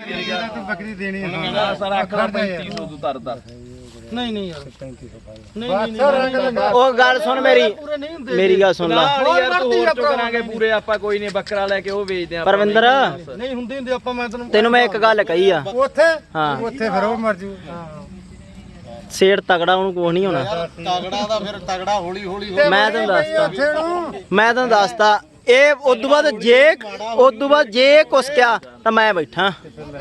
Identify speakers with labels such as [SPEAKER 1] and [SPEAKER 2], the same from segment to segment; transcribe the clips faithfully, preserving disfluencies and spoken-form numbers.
[SPEAKER 1] ਤੂੰ ਬੱਕਰੀ ਦੇਣੀ ਹੈ
[SPEAKER 2] ਸਰ ਆਖਦਾ ਪੈਂਤੀ ਸੌ ਤੂੰ ਤਰਦਾ
[SPEAKER 3] ਨਹੀਂ ਨਹੀਂ ਯਾਰ ਨਹੀਂ
[SPEAKER 4] ਨਹੀਂ ਉਹ ਗੱਲ ਸੁਣ ਮੇਰੀ ਮੇਰੀ ਗੱਲ ਸੁਣ ਲੈ
[SPEAKER 2] ਯਾਰ ਤੂੰ ਹੋਰ ਚੋ ਕਰਾਂਗੇ ਪੂਰੇ ਆਪਾਂ ਕੋਈ ਨਹੀਂ ਬੱਕਰਾ ਲੈ ਕੇ ਉਹ ਵੇਚਦੇ ਆ
[SPEAKER 4] ਪਰਵਿੰਦਰ
[SPEAKER 3] ਨਹੀਂ ਹੁੰਦੇ ਹੁੰਦੇ ਆਪਾਂ ਮੈਂ ਤੈਨੂੰ
[SPEAKER 4] ਤੈਨੂੰ ਮੈਂ ਇੱਕ ਗੱਲ ਕਹੀ ਆ
[SPEAKER 1] ਉੱਥੇ
[SPEAKER 4] ਹਾਂ
[SPEAKER 1] ਉੱਥੇ ਫਿਰ ਉਹ ਮਰ ਜੂ
[SPEAKER 4] ਸੇੜ ਤਗੜਾ ਉਹਨੂੰ ਕੁਛ ਨਹੀਂ ਹੋਣਾ
[SPEAKER 3] ਤਗੜਾ ਦਾ ਫਿਰ ਤਗੜਾ ਹੌਲੀ ਹੌਲੀ
[SPEAKER 4] ਮੈਂ ਤੈਨੂੰ ਦੱਸਦਾ ਮੈਂ ਤੈਨੂੰ ਦੱਸਦਾ ਇਹ ਉਦੋਂ ਬਾਅਦ ਜੇ ਉਦੋਂ ਬਾਅਦ ਜੇ ਕੁਛ ਕਿਹਾ ਤਾਂ ਮੈਂ ਬੈਠਾ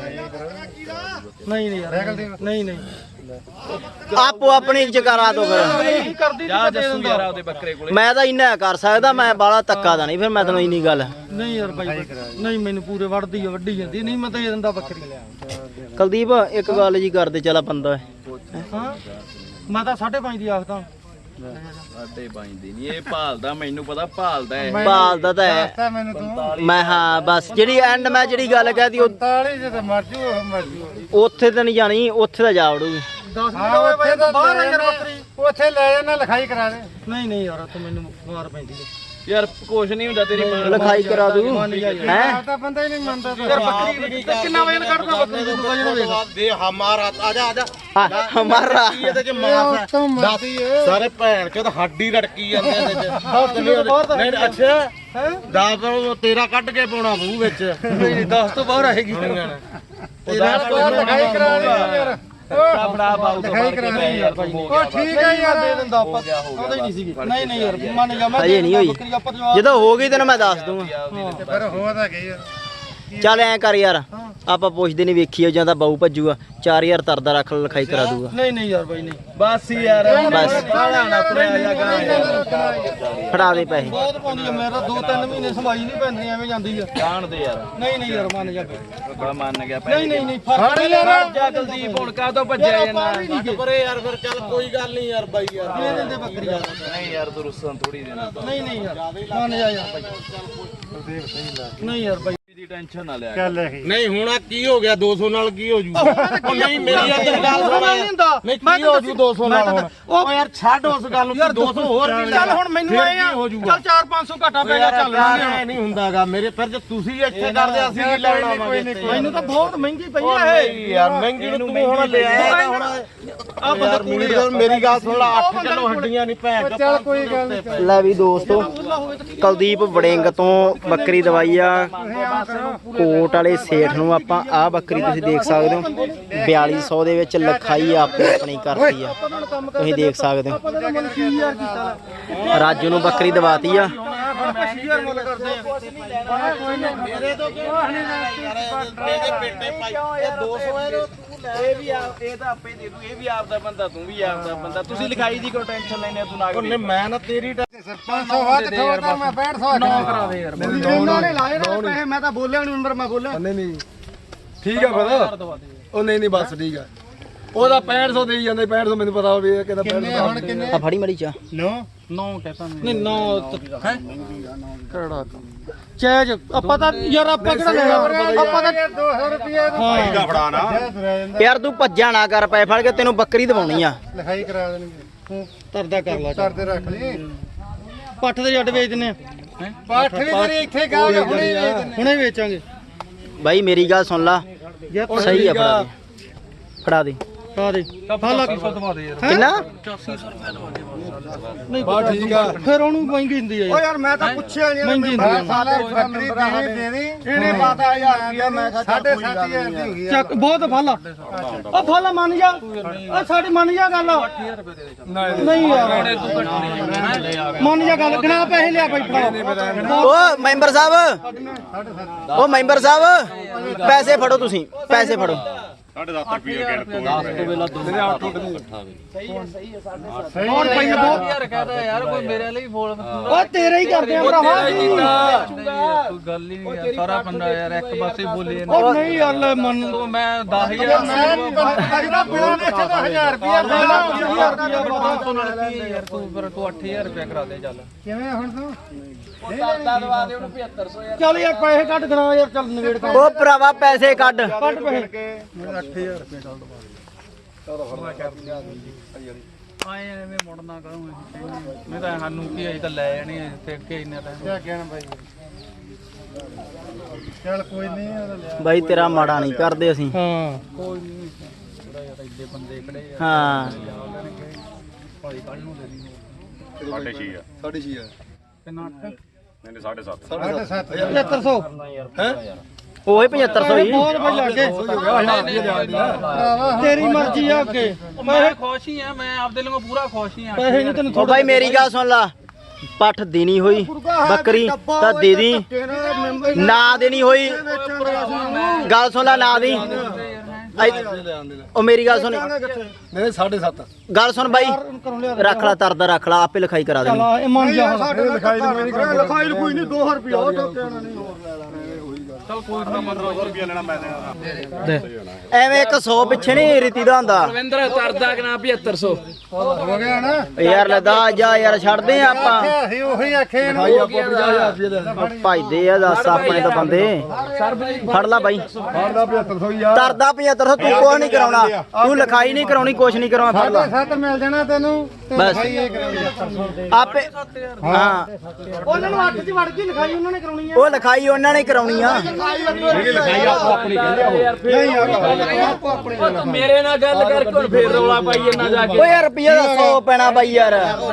[SPEAKER 3] ਨਹੀਂ ਨਹੀਂ ਯਾਰ ਨਹੀਂ ਨਹੀਂ
[SPEAKER 4] ਆਪੋ ਆਪਣੀ ਜਕਾਰਾ ਦੋ ਫਿਰ
[SPEAKER 3] ਕਰਦੀ
[SPEAKER 2] ਜਾ ਜੱਸੂ ਯਾਰ ਉਹਦੇ ਬੱਕਰੇ ਕੋਲੇ
[SPEAKER 4] ਮੈਂ ਤਾਂ ਇੰਨਾ ਕਰ ਸਕਦਾ ਮੈਂ ਬਾਲਾ ਤੱਕਾ ਦਾ ਨਹੀਂ ਫਿਰ ਮੈਂ ਤੈਨੂੰ ਇੰਨੀ ਗੱਲ
[SPEAKER 3] ਨਹੀਂ ਯਾਰ ਬਾਈ ਨਹੀਂ ਮੈਨੂੰ ਪੂਰੇ ਵੜਦੀ ਆ ਵੱਡੀ ਜਾਂਦੀ ਨਹੀਂ ਮੈਂ ਤਾਂ ਇਹ ਦਿੰਦਾ ਬੱਕਰੀ
[SPEAKER 4] ਕੁਲਦੀਪ ਇੱਕ ਗੱਲ ਜੀ ਕਰਦੇ ਚੱਲ ਬੰਦਾ
[SPEAKER 3] ਹਾਂ ਮੈਂ ਤਾਂ ਸਾਢੇ ਪੰਜ ਦੀ ਆਖਦਾ
[SPEAKER 2] ਸਾਡੇ ਬਾਈਂਦੀ ਨਹੀਂ ਇਹ ਭਾਲਦਾ ਮੈਨੂੰ ਪਤਾ ਭਾਲਦਾ ਹੈ
[SPEAKER 4] ਭਾਲਦਾ ਤਾਂ ਹੈ
[SPEAKER 1] ਦੱਸਦਾ ਮੈਨੂੰ ਤੂੰ
[SPEAKER 4] ਮੈਂ ਹਾਂ ਬਸ ਜਿਹੜੀ ਐਂਡ ਮੈਂ ਜਿਹੜੀ ਗੱਲ ਕਹਿਤੀ
[SPEAKER 1] ਪੰਤਾਲੀ ਜੇ ਤਾਂ ਮਰ ਜੂ ਉਹ ਮਰ ਜੂ
[SPEAKER 4] ਉੱਥੇ ਤਾਂ ਨਹੀਂ ਜਾਣੀ ਉੱਥੇ ਤਾਂ ਜਾ ਵੜੂਗੀ
[SPEAKER 3] ਦਸ
[SPEAKER 1] ਹਾਂ ਉੱਥੇ ਤਾਂ
[SPEAKER 3] ਬਾਹਰ ਆ ਯਾਰ ਬੱਕਰੀ
[SPEAKER 1] ਉੱਥੇ ਲੈ ਜਾਣਾ ਲਿਖਾਈ ਕਰਾ ਦੇ
[SPEAKER 3] ਨਹੀਂ ਨਹੀਂ ਯਾਰ ਤੂੰ ਮੈਨੂੰ ਮਾਰ ਪੈਂਦੀ ਹੈ
[SPEAKER 2] ਯਾਰ ਕੁਛ ਨਹੀਂ ਹੁੰਦਾ ਤੇਰੀ ਮਾਂ
[SPEAKER 4] ਲਿਖਾਈ ਕਰਾ ਦੂ ਹੈ
[SPEAKER 1] ਤਾਂ ਬੰਦਾ ਹੀ ਨਹੀਂ ਮੰਨਦਾ
[SPEAKER 3] ਯਾਰ ਬੱਕਰੀ ਕਿੰਨਾ ਵਜਨ ਕੱਢਦਾ ਬੱਕਰੀ ਤੂੰ ਵਜਨ ਵੇਖ
[SPEAKER 5] ਦੇ ਹਮਾਰਾ ਆ ਜਾ ਆ ਜਾ
[SPEAKER 4] ਹਮਾਰਾ
[SPEAKER 5] ਇਹਦੇ ਚ ਮਾਸ ਹੈ ਸਾਰੇ ਭੈਣ ਚੋਦ ਹੱਡੀ ਰੜਕੀ ਜਾਂਦੇ ਇਹਦੇ ਚ ਨਹੀਂ ਅੱਛਾ
[SPEAKER 3] ਹੈ
[SPEAKER 5] ਦਸ ਤੇਰਾ ਕੱਢ ਕੇ ਪਾਉਣਾ ਮੂੰਹ ਵਿੱਚ
[SPEAKER 3] ਨਹੀਂ ਨਹੀਂ ਦਸ ਤੋਂ ਬਾਹਰ ਆਏਗੀ
[SPEAKER 1] ਤੇਰਾ ਲਿਖਾਈ ਕਰਾ ਦੇ ਯਾਰ
[SPEAKER 2] ਆਪਣਾ ਬਾਉ ਤੋਂ
[SPEAKER 1] ਲਿਖਾਈ ਕਰਾ ਦੇ
[SPEAKER 2] ਯਾਰ ਤੂੰ ਹੋ
[SPEAKER 1] ਉਹ ਠੀਕ ਹੈ ਯਾਰ
[SPEAKER 3] ਦੇ ਦਿੰਦਾ ਆਪਾਂ ਆਉਂਦਾ ਹੀ ਨਹੀਂ ਸੀਗੀ ਨਹੀਂ ਨਹੀਂ ਯਾਰ ਮੰਨ ਜਾ ਮੈਂ
[SPEAKER 4] ਹਜੇ ਨਹੀਂ ਹੋਈ
[SPEAKER 3] ਬੱਕਰੀ ਆਪਾਂ ਜਵਾਬ
[SPEAKER 4] ਜਦੋਂ ਹੋ ਗਈ ਤੈਨੂੰ ਮੈਂ ਦੱਸ ਦੂੰਗਾ
[SPEAKER 1] ਪਰ ਹੋ ਤਾਂ ਗਈ ਆ
[SPEAKER 4] ਚੱਲ ਐ ਕਰ ਯਾਰ ਆਪਾਂ ਪੁੱਛਦੇ ਨਹੀਂ ਵੇਖੀ ਜਾਂਦਾ ਬਾਊ ਭੱਜੂਗਾ ਚਾਰ ਹਜ਼ਾਰ ਤਰਦਾ ਰੱਖ ਲੈ ਲਿਖਾਈ ਕਰਾ ਦੂਗਾ
[SPEAKER 3] ਨਹੀਂ ਨਹੀਂ ਯਾਰ ਬਾਈ ਨਹੀਂ
[SPEAKER 2] ਬਸ ਯਾਰ
[SPEAKER 4] ਬਸ
[SPEAKER 2] ਨਾ ਤੁਰਿਆ ਜਾ ਗਾ
[SPEAKER 4] ਫੜਾ ਦੇ ਪੈਸੇ
[SPEAKER 3] ਬਹੁਤ ਪਾਉਂਦੀ ਆ ਮੇਰਾ ਦੋ ਤਿੰਨ ਮਹੀਨੇ ਸਮਾਈ ਨਹੀਂ ਪੈਂਦੀ ਐਵੇਂ ਜਾਂਦੀ ਆ
[SPEAKER 2] ਜਾਣ ਦੇ ਯਾਰ
[SPEAKER 3] ਨਹੀਂ ਨਹੀਂ ਯਾਰ ਮੰਨ ਜਾ
[SPEAKER 2] ਬੜਾ ਮੰਨ ਗਿਆ
[SPEAKER 3] ਨਹੀਂ ਨਹੀਂ ਨਹੀਂ ਫਰਕ ਨਹੀਂ
[SPEAKER 2] ਯਾਰ ਜਾ ਕੁਲਦੀਪ ਹੁਣ ਕਾ ਤੋਂ ਭੱਜਿਆ ਜਾਂਦਾ
[SPEAKER 5] ਪਰੇ ਯਾਰ ਫਿਰ ਚੱਲ ਕੋਈ ਗੱਲ ਨਹੀਂ ਯਾਰ ਬਾਈ ਯਾਰ
[SPEAKER 3] ਦੇ ਦਿੰਦੇ ਬੱਕਰੀ ਯਾਰ
[SPEAKER 2] ਨਹੀਂ ਯਾਰ ਤੂੰ ਰੁੱਸਣ ਥੋੜੀ ਦੇਣਾ
[SPEAKER 3] ਨਹੀਂ ਨਹੀਂ ਯਾਰ ਮੰਨ ਜਾ ਯਾਰ ਬਾਈ ਨਹੀਂ ਯਾਰ ਬਾਈ
[SPEAKER 2] ਦੀ ਟੈਨਸ਼ਨ ਨਾ ਲਿਆ
[SPEAKER 1] ਚੱਲ ਇਹ
[SPEAKER 5] ਨਹੀਂ ਹੁਣ ਆ ਕੀ ਹੋ ਗਿਆ ਦੋ ਸੌ ਨਾਲ ਕੀ ਹੋ ਜੂ ਉਹ ਨਹੀਂ ਮੇਰੀ ਯਾਰ ਗੱਲ ਸੁਣ ਨਹੀਂ ਕੀ ਹੋ ਜੂ ਦੋ ਸੌ ਨਾਲ ਹੁਣ ਉਹ ਯਾਰ ਛੱਡ ਉਸ ਗੱਲ ਨੂੰ ਦੋ ਸੌ ਹੋਰ ਵੀ
[SPEAKER 3] ਚੱਲ ਹੁਣ ਮੈਨੂੰ ਆਏ ਆ ਚੱਲ ਚਾਰ ਪੰਜ ਸੌ ਘਾਟਾ ਪੈ ਗਿਆ ਚੱਲ
[SPEAKER 5] ਐ ਨਹੀਂ ਹੁੰਦਾਗਾ ਮੇਰੇ ਫਿਰ ਜੇ ਤੁਸੀਂ ਇੱਥੇ ਕਰਦੇ ਅਸੀਂ ਕੀ ਲੈਣਾ ਆਵਾਂਗੇ
[SPEAKER 3] ਮੈਨੂੰ ਤਾਂ ਬਹੁਤ ਮਹਿੰਗੀ ਪਈ ਆ ਇਹ
[SPEAKER 5] ਯਾਰ ਮਹਿੰਗੀ ਨੂੰ ਤੂੰ ਹੁਣ ਲੈ ਆਇਆ ਹੁਣ
[SPEAKER 3] ਆ ਬੰਦਾ
[SPEAKER 5] ਮੇਰੀ ਗੱਲ ਮੇਰੀ ਗੱਲ ਸੁਣ ਲਾ ਅੱਠ ਕਿਲੋ ਹੱਡੀਆਂ ਨਹੀਂ ਭੈਣ ਚੋ
[SPEAKER 1] ਚੱਲ ਕੋਈ ਗੱਲ ਨਹੀਂ
[SPEAKER 4] ਲੈ ਵੀ ਦੋਸਤੋ ਕੁਲਦੀਪ ਵੜਿੰਗ ਤੋਂ ਬੱਕਰੀ ਦਵਾਈ ਆ ਕੋਟ ਵਾਲੇ ਸੇਠ ਨੂੰ ਆਪਾਂ ਆਹ ਬੱਕਰੀ ਤੁਸੀਂ ਦੇਖ ਸਕਦੇ ਹੋ ਬਿਆਲੀ ਸੌ ਦੇ ਵਿੱਚ ਲਿਖਾਈ ਆਪੋ ਆਪਣੀ ਕਰਤੀ ਆ ਤੁਸੀਂ ਦੇਖ ਸਕਦੇ ਹੋ ਰਾਜੂ ਨੂੰ ਬੱਕਰੀ ਦਵਾਤੀ ਆ
[SPEAKER 5] ਮੇਰੇ ਤੋਂ ਕਿਉਂ ਨਹੀਂ ਯਾਰ ਇਹਦੇ ਪੇਟੇ ਪਾਈ ਇਹ ਦੋ ਸੌ ਹੈ
[SPEAKER 2] ਇਹ ਵੀ ਆ ਇਹ ਤਾਂ ਆਪੇ ਦੇ ਦੂ ਇਹ ਵੀ ਆਪਦਾ ਬੰਦਾ ਤੂੰ ਵੀ ਆਪਦਾ ਬੰਦਾ ਤੁਸੀਂ ਲਿਖਾਈ ਦੀ ਕੋਈ ਟੈਨਸ਼ਨ ਲੈਣੇ ਤੂੰ ਨਾ
[SPEAKER 5] ਉਹਨੇ ਮੈਂ ਨਾ ਤੇਰੀ
[SPEAKER 1] ਪੰਜ ਸੌ ਵੱਧ ਠੋਕਦਾ ਮੈਂ ਪੈਂਹਠ ਸੌ
[SPEAKER 3] ਨਾ ਕਰਾ ਦੇ ਯਾਰ ਇਹਨਾਂ ਨੇ ਲਾਏ ਨਾ ਪੈਸੇ ਮੈਂ ਤਾਂ ਬੋਲਿਆ ਨਹੀਂ ਨੰਬਰ ਮੈਂ ਬੋਲਿਆ
[SPEAKER 6] ਨਹੀਂ ਨਹੀਂ ਠੀਕ ਆ ਫਿਰ ਉਹ ਨਹੀਂ ਨਹੀਂ ਬਸ ਠੀਕ ਆ ਉਹਦਾ ਪੈਂਹਠ ਸੌ ਦੇਈ ਜਾਂਦੇ ਪੈਂਹਠ ਸੌ ਮੈਨੂੰ ਪਤਾ ਹੋਵੇ ਇਹ ਕਹਿੰਦਾ ਪੈਂਹਠ ਸੌ
[SPEAKER 1] ਹੁਣ ਕਿੰਨੇ
[SPEAKER 4] ਆ ਫੜੀ ਮੜੀ ਚਾ
[SPEAKER 1] ਨੋ
[SPEAKER 3] ਨੌ ਕਹਤਾ ਨਹੀਂ ਨੌ ਹੈ ਕਿਹੜਾ ਚੈਜ ਆਪਾਂ ਤਾਂ ਯਾਰ ਆਪਾਂ ਕਿਹੜਾ ਲੈਣਾ ਆਪਾਂ ਤਾਂ
[SPEAKER 1] ਦੋ ਸੌ ਰੁਪਏ
[SPEAKER 5] ਭਾਈ ਦਾ ਫੜਾ ਨਾ
[SPEAKER 4] ਯਾਰ ਤੂੰ ਭੱਜਾ ਨਾ ਕਰ ਪੈ ਫੜ ਕੇ ਤੈਨੂੰ ਬੱਕਰੀ ਦਵਾਉਣੀ ਆ
[SPEAKER 1] ਲਿਖਾਈ ਕਰਾ ਦੇਣਗੇ ਤੂੰ
[SPEAKER 3] ਤਰਦਾ ਕਰ ਲਾ
[SPEAKER 1] ਕਰਦੇ ਰੱਖ ਲਈ
[SPEAKER 3] ਪੱਠ ਦੇ ਜੱਟ ਵੇਚ ਦਿੰਨੇ ਆ
[SPEAKER 1] ਪਾਠ ਵੀ ਤੇਰੀ ਇੱਥੇ ਗਾ ਹੁਣੇ
[SPEAKER 3] ਹੁਣੇ ਵੇਚਾਂਗੇ
[SPEAKER 4] ਬਾਈ ਮੇਰੀ ਗੱਲ ਸੁਣ ਲਾ ਸਹੀ ਆ ਫੜਾ ਦੇ ਫੜਾ ਦੇ
[SPEAKER 3] ਆ ਦੇ ਫਾਲਾ ਕੀ ਦਵਾ ਦੇ ਯਾਰ
[SPEAKER 4] ਕਿੰਨਾ
[SPEAKER 3] ਨਹੀਂ
[SPEAKER 6] ਬਾ ਠੀਕ ਆ
[SPEAKER 3] ਫਿਰ ਉਹਨੂੰ ਮਹਿੰਗੀ ਹੁੰਦੀ ਆ
[SPEAKER 5] ਓ ਯਾਰ ਮੈਂ ਤਾਂ ਪੁੱਛਿਆ ਨਹੀਂ
[SPEAKER 3] ਮਹਿੰਗੀ ਹੁੰਦੀ ਆ
[SPEAKER 1] ਸਾਲਾ ਬੱਕਰੀ ਦੇਣੀ ਦੇਣੀ
[SPEAKER 5] ਇਹਨੇ ਪਤਾ ਹਜ਼ਾਰ ਰੁਪਇਆ ਮੈਂ ਕਿਹਾ
[SPEAKER 1] ਸਾਢੇ ਸੱਤ ਹਜ਼ਾਰ ਦੀ ਹੋ ਗਈ
[SPEAKER 3] ਚੱਕ ਬਹੁਤ ਫਾਲਾ ਉਹ ਫਾਲਾ ਮੰਨ ਜਾ ਉਹ ਸਾਡੀ ਮੰਨ ਜਾ ਗੱਲ ਨਹੀਂ ਯਾਰ ਮੰਨ ਜਾ ਗੱਲ ਗਣਾ ਪੈਸੇ ਲਿਆ ਬਾਈ ਫੜਾ
[SPEAKER 4] ਓ ਮੈਂਬਰ ਸਾਹਿਬ ਓ ਮੈਂਬਰ ਸਾਹਿਬ ਪੈਸੇ ਫੜੋ ਤੁਸੀਂ ਪੈਸੇ ਫੜੋ
[SPEAKER 3] ਹੋਰ ਭਾਈ ਬਹੁਤ ਯਾਰ ਕਹਦਾ ਯਾਰ ਕੋਈ ਮੇਰੇ ਲਈ ਬੋਲ ਉਹ ਤੇਰਾ ਹੀ ਕਰਦੇ ਆ ਭਰਾਵਾ
[SPEAKER 2] ਕੋਈ ਗੱਲ ਹੀ ਨਹੀਂ ਸਾਰਾ ਬੰਦਾ ਯਾਰ ਇੱਕ ਪਾਸੇ ਬੋਲੇ
[SPEAKER 3] ਉਹ ਨਹੀਂ ਯਾਰ ਲੈ ਮੰਨ
[SPEAKER 2] ਤੂੰ ਮੈਂ ਦਸ ਹਜ਼ਾਰ
[SPEAKER 1] ਮੈਂ ਬੋਲ ਇੱਥੇ ਤਾਂ ਹਜ਼ਾਰ ਰੁਪਇਆ ਦੇਣਾ
[SPEAKER 3] ਹਜ਼ਾਰ ਰੁਪਇਆ ਬਾਬਾ ਤੋਂ ਨਾਲ ਕੀ ਯਾਰ ਤੂੰ ਫਿਰ ਤੂੰ ਅੱਠ ਹਜ਼ਾਰ ਰੁਪਇਆ ਕਰਾ ਦੇ ਚੱਲ
[SPEAKER 1] ਕਿਵੇਂ ਹੁਣ ਤੂੰ
[SPEAKER 2] ਦਾਦਾ ਦਵਾ ਦੇ ਉਹਨੂੰ ਪਝੱਤਰ ਸੌ ਯਾਰ
[SPEAKER 3] ਚੱਲ ਯਾਰ ਪੈਸੇ ਕੱਢ ਗਣਾ ਯਾਰ ਚੱਲ ਨਵੇੜ ਕਰ
[SPEAKER 4] ਓ ਭਰਾਵਾ ਪੈਸੇ ਕੱਢ
[SPEAKER 3] ਕੱਢ ਪੈਸੇ
[SPEAKER 2] ਆਏ ਐਵੇਂ ਮੁੜਨਾ ਕਰੂੰ ਮੈਂ ਤਾਂ ਸਾਨੂੰ ਕੀ ਅਜੇ ਤਾਂ ਲੈ ਜਾਣੀ ਤੇ ਅੱਗੇ ਇੰਨਾ ਟਾਈਮ
[SPEAKER 1] ਕਿਆ ਕਹਿਣਾ ਬਾਈ ਚੱਲ ਕੋਈ ਨਹੀਂ
[SPEAKER 4] ਬਾਈ ਤੇਰਾ ਮਾੜਾ ਨਹੀਂ ਕਰਦੇ ਅਸੀਂ
[SPEAKER 3] ਹਾਂ
[SPEAKER 4] ਹਾਂ
[SPEAKER 7] ਸਾਢੇ ਛੇ ਆ
[SPEAKER 6] ਸਾਢੇ ਛੇ ਆ
[SPEAKER 7] ਨਹੀਂ ਨਹੀਂ ਸਾਢੇ ਸੱਤ
[SPEAKER 6] ਸਾਢੇ ਸੱਤ
[SPEAKER 3] ਪਝੱਤਰ ਸੌ
[SPEAKER 6] ਹੈ
[SPEAKER 4] ਉਹੀ ਪਝੱਤਰ ਸੌ ਹੀ
[SPEAKER 3] ਬਹੁਤ ਬਈ ਲੱਗੇ ਤੇਰੀ ਮਰਜ਼ੀ ਆ ਅੱਗੇ
[SPEAKER 5] ਮੈਂ ਖੁਸ਼ ਹੀ ਆ ਮੈਂ ਆਪਦੇ ਲਈ ਪੂਰਾ ਖੁਸ਼ ਹੀ ਆ
[SPEAKER 3] ਪੈਸੇ ਨਹੀਂ ਤੈਨੂੰ
[SPEAKER 4] ਉਹ ਬਾਈ ਮੇਰੀ ਗੱਲ ਸੁਣ ਲਾ ਪੱਠ ਦੇਣੀ ਹੋਈ ਬੱਕਰੀ ਤਾਂ ਦੇ ਦੀ ਨਾ ਦੇਣੀ ਹੋਈ ਗੱਲ ਸੁਣ ਲਾ ਨਾ ਦੀ ਉਹ ਮੇਰੀ ਗੱਲ ਸੁਣ
[SPEAKER 6] ਨਹੀਂ ਸਾਢੇ ਸੱਤ
[SPEAKER 4] ਗੱਲ ਸੁਣ ਬਾਈ ਰੱਖ ਲਾ ਤਰਦਾ ਰੱਖ ਲਾ ਆਪੇ ਲਿਖਾਈ ਕਰਾ ਦੇਣੀ
[SPEAKER 3] ਇਹ ਮੰਨ ਜਾ
[SPEAKER 6] ਲਿਖਾਈ ਨਹੀਂ ਨਹੀਂ ਕਰਾਂਗੇ
[SPEAKER 3] ਲਿਖਾਈ ਕੋਈ ਨਹੀਂ ਦੋ ਰੁਪਿਆ ਉਹ ਟੋਕੇ ਉਹਨਾਂ ਨਹੀਂ ਹੋਰ ਲੈ ਲੈਣਾ
[SPEAKER 4] ਐਵੇਂ ਇੱਕ ਸੌ ਪਿੱਛੇ ਨਹੀਂ ਰੀਤੀ ਦਾ ਹੁੰਦਾ
[SPEAKER 5] ਰਵਿੰਦਰ ਤਰਦਾ ਕਿ ਨਾ ਪਝੱਤਰ ਸੌ
[SPEAKER 1] ਹੋ ਗਿਆ ਨਾ
[SPEAKER 4] ਯਾਰ ਲੈ ਦਾ ਜਾ ਯਾਰ ਛੱਡਦੇ ਆ ਆਪਾਂ
[SPEAKER 1] ਅਸੀਂ ਉਹੀ ਆਖੇ ਇਹਨੂੰ
[SPEAKER 6] ਭਾਈ ਆਪਾਂ ਪੰਜਾਹ ਹਜ਼ਾਰ ਰੁਪਏ ਦੇ
[SPEAKER 4] ਭਜਦੇ ਆ ਦੱਸ ਆਪਣੇ ਤਾਂ ਬੰਦੇ ਫੜ ਲਾ ਬਾਈ
[SPEAKER 6] ਫੜਦਾ ਪਝੱਤਰ ਸੌ ਯਾਰ
[SPEAKER 4] ਤਰਦਾ ਪਝੱਤਰ ਸੌ ਤੂੰ ਕੁਛ ਨਹੀਂ ਕਰਾਉਣਾ ਤੂੰ ਲਿਖਾਈ ਨਹੀਂ ਕਰਾਉਣੀ ਕੁਛ ਨਹੀਂ ਕਰਾਉਣਾ ਫੜ ਲਾ
[SPEAKER 1] ਸੱਤ ਮਿਲ ਜਾਣਾ ਤੈਨੂੰ ਤੇ
[SPEAKER 4] ਬਸ।
[SPEAKER 1] ਲਿਖਾਈ ਇਹ ਕਰਾਉਣੀ
[SPEAKER 4] ਆਪੇ ਹਾਂ
[SPEAKER 3] ਉਹਨਾਂ ਨੂੰ ਅੱਠ ਚ ਵੜ ਗਈ ਲਿਖਾਈ ਉਹਨਾਂ ਨੇ ਕਰਾਉਣੀ ਆ
[SPEAKER 4] ਉਹ ਲਿਖਾਈ ਉਹਨਾਂ ਨੇ ਕਰਾਉਣੀ ਆ
[SPEAKER 5] ਮੇਰੇ ਨਾਲ ਗੱਲ ਕਰਕੇ ਹੁਣ ਫੇਰ ਰੌਲਾ ਪਾਈ ਇਹਨਾਂ ਜਾ ਕੇ
[SPEAKER 4] ਓ ਯਾਰ ਰੁਪਈਆ ਦਾ ਸੌ ਪੈਣਾ ਬਾਈ ਯਾਰ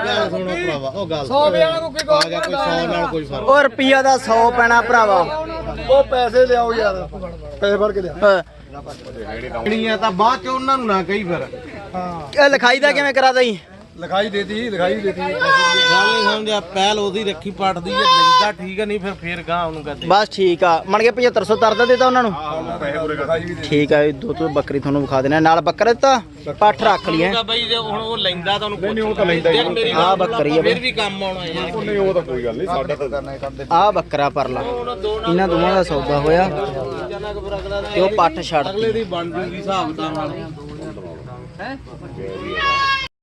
[SPEAKER 4] ਓ ਰੁਪਈਆ ਦਾ ਸੌ ਪੈਣਾ ਭਰਾਵਾ
[SPEAKER 6] ਉਹ ਪੈਸੇ ਲਿਆਓ ਯਾਰ ਪੈਸੇ ਭਰ ਕੇ ਲਿਆ
[SPEAKER 4] ਹਾਂ।
[SPEAKER 5] ਜਿਹੜੀਆਂ ਤਾਂ ਬਾਅਦ ਚ ਉਹਨਾਂ ਨੂੰ ਨਾ ਕਹੀ ਫਿਰ
[SPEAKER 4] ਇਹ ਲਿਖਾਈ ਦਾ ਕਿਵੇਂ ਕਰਾ ਦਈ
[SPEAKER 6] ਲਿਖਾਈ ਦੇਤੀ ਲਿਖਾਈ ਦੇਤੀ
[SPEAKER 5] ਗੱਲ ਨਹੀਂ ਸਮਝਿਆ ਪਹਿਲ ਉਹਦੀ ਰੱਖੀ ਪੱਟਦੀ ਜੇ ਲੈਂਦਾ ਠੀਕ ਹੈ ਨਹੀਂ ਫਿਰ ਫੇਰ ਗਾਂ ਉਹਨੂੰ ਕਹਦੇ
[SPEAKER 4] ਬਸ ਠੀਕ ਆ ਮਣ ਕੇ ਪਝੱਤਰ ਸੌ ਤਰਦਾ ਦਿੱਤਾ ਉਹਨਾਂ ਨੂੰ
[SPEAKER 6] ਲਿਖਾਈ ਵੀ ਦੇ
[SPEAKER 4] ਠੀਕ ਆ ਇਹ ਦੋ ਤੋਂ ਬੱਕਰੀ ਤੁਹਾਨੂੰ ਵਿਖਾ ਦੇਣਾ ਨਾਲ ਬੱਕਰਾ ਦਿੱਤਾ ਪੱਠ ਰੱਖ ਲਈ ਹੈ
[SPEAKER 5] ਬਈ ਜੇ ਹੁਣ ਉਹ ਲੈਂਦਾ ਤਾਂ ਉਹਨੂੰ ਨਹੀਂ ਉਹ ਤਾਂ ਲੈਂਦਾ ਹੀ
[SPEAKER 4] ਆ ਬੱਕਰੀ ਆ
[SPEAKER 5] ਫਿਰ
[SPEAKER 4] ਬਈ
[SPEAKER 5] ਵੀ ਕੰਮ ਆਉਣਾ ਯਾਰ
[SPEAKER 7] ਨਹੀਂ ਉਹ ਤਾਂ ਕੋਈ ਗੱਲ ਨਹੀਂ ਸਾਡਾ ਤਾਂ
[SPEAKER 4] ਆ ਬੱਕਰਾ ਪਰ ਲਾ ਇਹਨਾਂ ਦੋਵਾਂ ਦਾ ਸੌਦਾ ਹੋਇਆ ਤੇ ਉਹ ਪੱਠ ਛੱਡ
[SPEAKER 5] ਅਗਲੇ ਦੀ ਬਣ ਜੂਗੀ ਹਿਸਾਬ ਦਾ ਨਾਲ ਹੈ